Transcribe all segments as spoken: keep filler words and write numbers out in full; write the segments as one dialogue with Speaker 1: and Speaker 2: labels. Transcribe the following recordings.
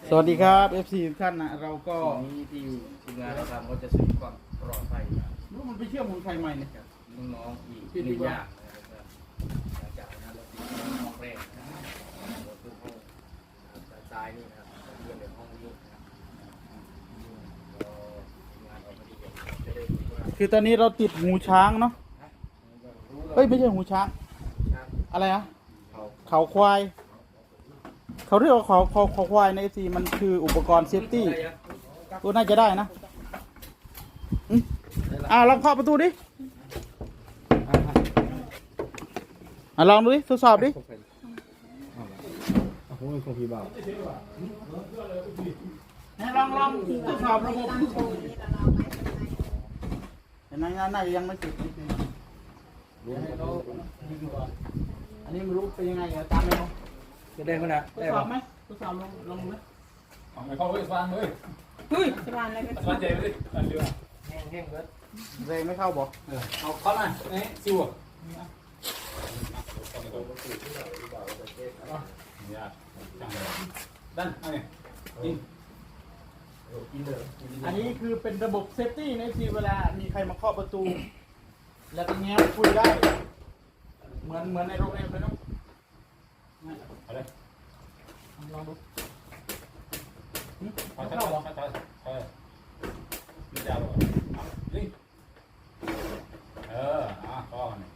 Speaker 1: สวัสดีครับ เอฟ ซี ทุกท่านนะเราก็
Speaker 2: นี้ที่ทีมงานเราทำก็จะซื้อความปลอดภัย
Speaker 1: รู้มันไปเชื่อมของใครใหม่เนี่ย
Speaker 2: กับน้องๆอีกหนึ่งอย่างนะครับหลังจากนั้นเราติดห้องแรกนะครับเราคือห้องซ้ายนี่นะครับเรียนในห้องนี้นะครับก็ทีมงานออกมาดีจะได้รู้ว่า
Speaker 1: คือตอนนี้เราติดหูช้างเนาะเฮ้ยไม่ใช่หูช้างอะไรอะ
Speaker 2: เขา
Speaker 1: เขาควายเขาเรียกว่าเขาเขาเขาควายใน เอฟ ซี มันคืออุปกรณ์เซฟตี้ตัวน่าจะได้นะอืมอ่าลองเคาะประตูดิอ่าลองดูดิทดสอบดิ
Speaker 2: โอ้ยคงพี่บ่าว
Speaker 1: ลองลองทดสอบระบบเห็นไหมน่าจะยังไม่ติดอันนี้ไม่รู้เป็นยังไงตามไปเนาะ
Speaker 2: จะได้ขนาด
Speaker 1: ทด
Speaker 2: ได้
Speaker 1: สอ
Speaker 2: ป่ะ
Speaker 1: บไหมทดสอบลองลองดูไหม
Speaker 3: เอาไปเข้าเว้ยฟังเลย
Speaker 1: เฮ้ย
Speaker 4: สบายอะไรกัน
Speaker 3: ฟังใจไปเลยฟังเรือ
Speaker 2: แห้งแห้งเบิด
Speaker 1: แรงไม่เข้าบอก
Speaker 3: เอาเข้ามาเอ๊ะซิวอ่ะเนี่ยจังเลยดันเอาเนี่ยกิน
Speaker 2: กินเลย
Speaker 1: อันนี้คือเป็นระบบเซฟตี้ในทีเวลามีใครมาเคาะประตู แล้วก็แง้มคุยได้ เหมือนเหมือนในโรงแรมเลยเนาะ
Speaker 3: เอาเลย
Speaker 1: ลองดู
Speaker 3: เอาช้าๆช้าๆเออมีดาวอ่ะนี่เอออ่ะก็เนี่ย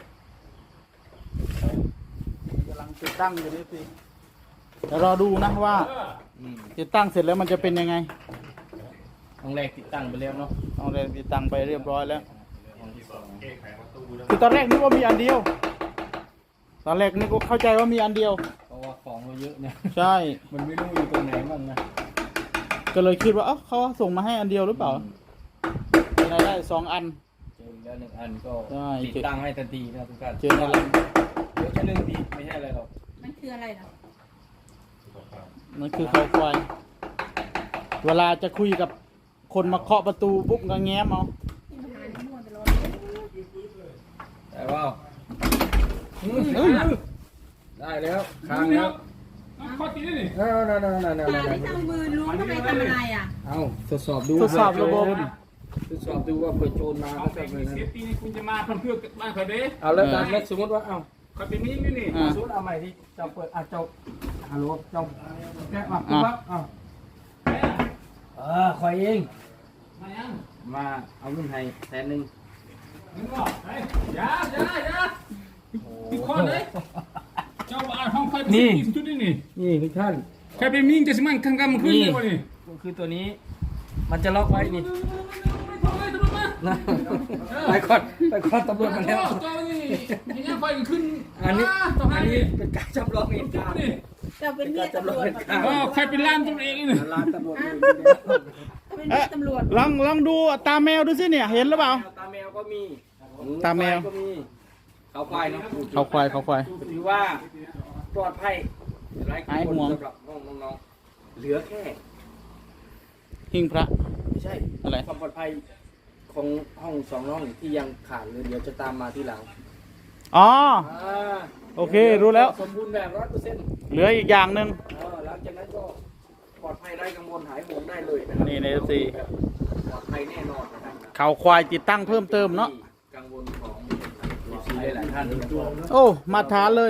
Speaker 1: กำลังติดตั้งอยู่ในทีเดี๋ยวรอดูนะว่า
Speaker 3: เออ
Speaker 1: ติดตั้งเสร็จแล้วมันจะเป็นยังไง
Speaker 2: ห้องแรกติดตั้งไปแล้วเนาะ
Speaker 1: เอาเลยติดตั้งไปเรียบร้อยแล้ว
Speaker 2: ห้องที่สอง
Speaker 1: คือตอนแรกนึกว่ามีอันเดียว ตอนแรกนึกว่าเข้าใจว่ามีอันเดียว
Speaker 2: เพราะว่าของเราเยอะเนี่ย
Speaker 1: ใช่
Speaker 2: มันไม่รู้อยู่ตรงไหนบ้างนะ
Speaker 1: ก็เลยคิดว่าเอ้าเขาส่งมาให้อันเดียวหรือเปล่าเป็นไรได้สองอัน
Speaker 2: เจอแล้วหนึ่งอันก็
Speaker 1: ใช่
Speaker 2: ติดตั้งให้ทันทีนะทุกท่าน
Speaker 1: เจอในรัง
Speaker 2: เดี๋ยวจะหนึ่งทีไม่ใช่อะไรหรอก
Speaker 4: มันคืออะไรเหรอ
Speaker 1: นั่นคือเขาควายเวลาจะคุยกับคนมาเคาะประตูปุ๊บก็แง้มเอา
Speaker 4: ที่มันหาที่มั่วตลอด
Speaker 2: แต่ว่า
Speaker 1: เฮ้ย
Speaker 2: ได้แล้วค้างแล้ว
Speaker 3: ข้อตีนี่
Speaker 2: เอาเอาเอาเอาเอา
Speaker 4: หาที่ตั้งมือล้วงทำไมทำอะไรอ่ะ
Speaker 2: เอาทดสอบดู
Speaker 1: ทดสอบระบบ
Speaker 2: ทดสอบดูว่าเปิดโจรมา
Speaker 3: เอา
Speaker 2: ก็
Speaker 3: ไป
Speaker 2: จะเป็น
Speaker 3: เซฟตี้นี่คุณจะมาเพื่อเพื่อบ้านใครเด้
Speaker 2: เอาแล้วตามนี้สมมติว่าเอา
Speaker 3: ใครเป็นมิ่งนี่นี่
Speaker 1: อ่า
Speaker 2: สมมติเอาใหม่ที่เจ้าเปิดอ่ะเจ้าฮัลโหลเจ้าแกะมาปุ๊บปั๊บเอาเออคอยเอง
Speaker 3: มายัง
Speaker 2: มาเอาเงินให้แสนหนึ่ง
Speaker 3: มึงบอกเฮ้ยอย่าอย่าอย่าติดคอเลยเจ้าบ้านห้องใครเป็นจุดนี่นี่
Speaker 2: นี่ทุกท่าน
Speaker 3: ใครเป็นมิ่งจะสมันข้างกำขึ้นเลยวะนี่
Speaker 2: คือตัวนี้มันจะล็อกไว้นี่
Speaker 3: ไม่ทำเลยตำรวจมา
Speaker 2: นะไปก่อนไปก่อนตำรวจมาแล้ว
Speaker 3: เจ้านี่ยังไฟขึ้น
Speaker 2: อันนี้
Speaker 3: ต้อง
Speaker 2: อั
Speaker 3: ให้
Speaker 2: นนี้เป็นการจำลองเหตุการณ์
Speaker 3: นี่
Speaker 4: เราเป็นเมียตำรวจ
Speaker 3: อ๋อใครเป็นล้านตัวเองนี่
Speaker 2: ร้านตำรวจอยู่
Speaker 4: เป็นเมียตำรวจ
Speaker 1: ลองลองดูตาแมวดูสิเนี่ย เห็นหรือเปล่า
Speaker 2: ตาแมวก็มี
Speaker 1: ตาแมว
Speaker 2: ก็มีเขาควายเนาะ
Speaker 1: เขาควายเขาควาย
Speaker 2: ถือว่าปลอดภัยไร้กั
Speaker 1: หาย
Speaker 2: งวล
Speaker 1: ห่วง
Speaker 2: สำหรับน้องน้องๆเหลือแค่
Speaker 1: หิ้งพระ
Speaker 2: ไม่ใช่
Speaker 1: อะไร
Speaker 2: ความปลอดภัยของห้องสองห้องที่ยังขาดเลยเดี๋ยวจะตามมาที่หลัง
Speaker 1: อ๋อ
Speaker 2: อ่า
Speaker 1: โอเครู้แล้ว
Speaker 2: สมบูรณ์แบบร้อยเปอร์เซ็นต์
Speaker 1: เหลืออีกอย่างหนึ่ง
Speaker 2: หลังจากนั้นก็ปลอดภัยไร้กังวลหายห่วงได้เลยะครับ
Speaker 1: นี่ใน เอฟ ซี
Speaker 2: ปลอดภัยแน่นอนนะครับ
Speaker 1: เขาควายติดตั้งเพิ่มเติมเนาะ
Speaker 2: กังวลของเอฟซีหลายๆท่านนะครับ
Speaker 1: โอ้มาทานเลย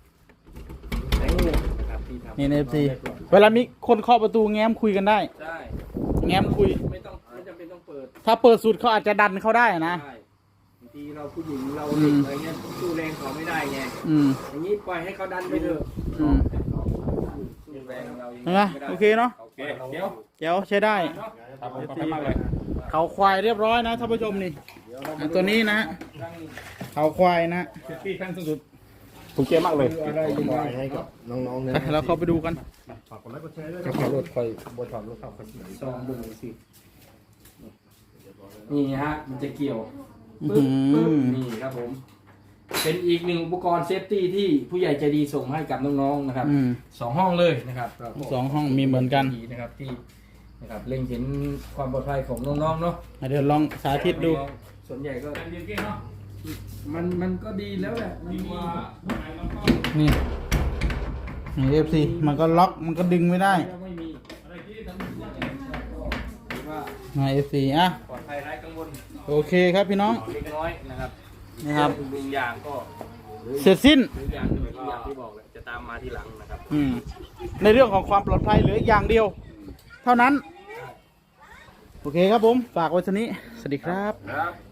Speaker 2: นะครับที่ทำ
Speaker 1: นี่ใน เอฟ ซี เวลามีคนเคาะประตูแง้มคุยกันได้
Speaker 2: ใช่
Speaker 1: แง้มคุย
Speaker 2: ไม่ต้องไม่จำเป็นต้องเปิด
Speaker 1: ถ้าเปิดสุดเขาอาจจะดันเขาได้นะ
Speaker 2: ใช่บางทีเราผู้หญิงเราเด็กอะไรเงี้ยสู้แรงเขาไม่ได้ไง
Speaker 1: อืม
Speaker 2: อย่างนี้ปล่อยให้เขาดันไปเถอะ
Speaker 1: อืม
Speaker 2: สู้แรงเรายัง
Speaker 1: เห็นไหม
Speaker 2: ไม่ได้
Speaker 1: โอเคเนาะ
Speaker 3: โอเคเดี๋ยว
Speaker 1: เดี๋ยวใช้ได้
Speaker 3: ครับผมขอบคุณมากเลย
Speaker 1: เขาควายเรียบร้อยนะท่านผู้ชมนี่อ่ะตัวนี้นะ เขาควายนะ
Speaker 3: ที่ขั้นสุดถูกเจ๊มากเลย
Speaker 2: อะไรยังไงให้กับน้องๆเนี่ย
Speaker 1: ไปเราเข้าไปดูกัน
Speaker 2: จะขับรถคอยบนขับรถขับคอยซองดูสินี่ฮะมันจะเกี่ยว
Speaker 1: อื้อ
Speaker 2: ปึ๊บ
Speaker 1: หื
Speaker 2: ปึ๊บ
Speaker 1: อ
Speaker 2: นี่ครับผม เป็นอีกหนึ่งอุปกรณ์เซฟตี้ที่ผู้ใหญ่ใจดีส่งให้กับน้องๆนะครับ
Speaker 1: อืม
Speaker 2: สองห้องเลยนะครับ
Speaker 1: สองห้องมีเหมือนกัน
Speaker 2: นะครับที่นะครับเล็งเห็นความปลอดภัยของน้องๆเนาะ
Speaker 1: เดี๋ยวลองสาธิตดู
Speaker 2: ส่วนใหญ่ก็
Speaker 3: เรียนเก่งเนาะ
Speaker 2: มันมันก็ดีแล้วแหละมัน
Speaker 3: ดี
Speaker 2: มี
Speaker 3: กว่าไหนเราก็
Speaker 1: นี่นี่เอฟซีมันก็ล็อกมันก็ดึงไม่ได้
Speaker 2: ไม่มี
Speaker 3: อะไรที่
Speaker 1: มาเอฟซีอ่ะ
Speaker 2: ปลอดภัยไร้กังวล
Speaker 1: โอเคครับพี่น้อง
Speaker 2: เล็กน้อยนะครับ
Speaker 1: นะครับ
Speaker 2: หนึ่งอย่างก็
Speaker 1: เสร็จสิ้น
Speaker 2: หนึ่งอย่างหนึ่งอย่างที่บอกเลยจะตามมาทีหลังนะครับ
Speaker 1: อืมในเรื่องของความปลอดภัยเหลืออย่างเดียว เท่านั้น โอเคครับผม ฝากไว้เท่านี้ สวัสดีครับ
Speaker 3: ครับ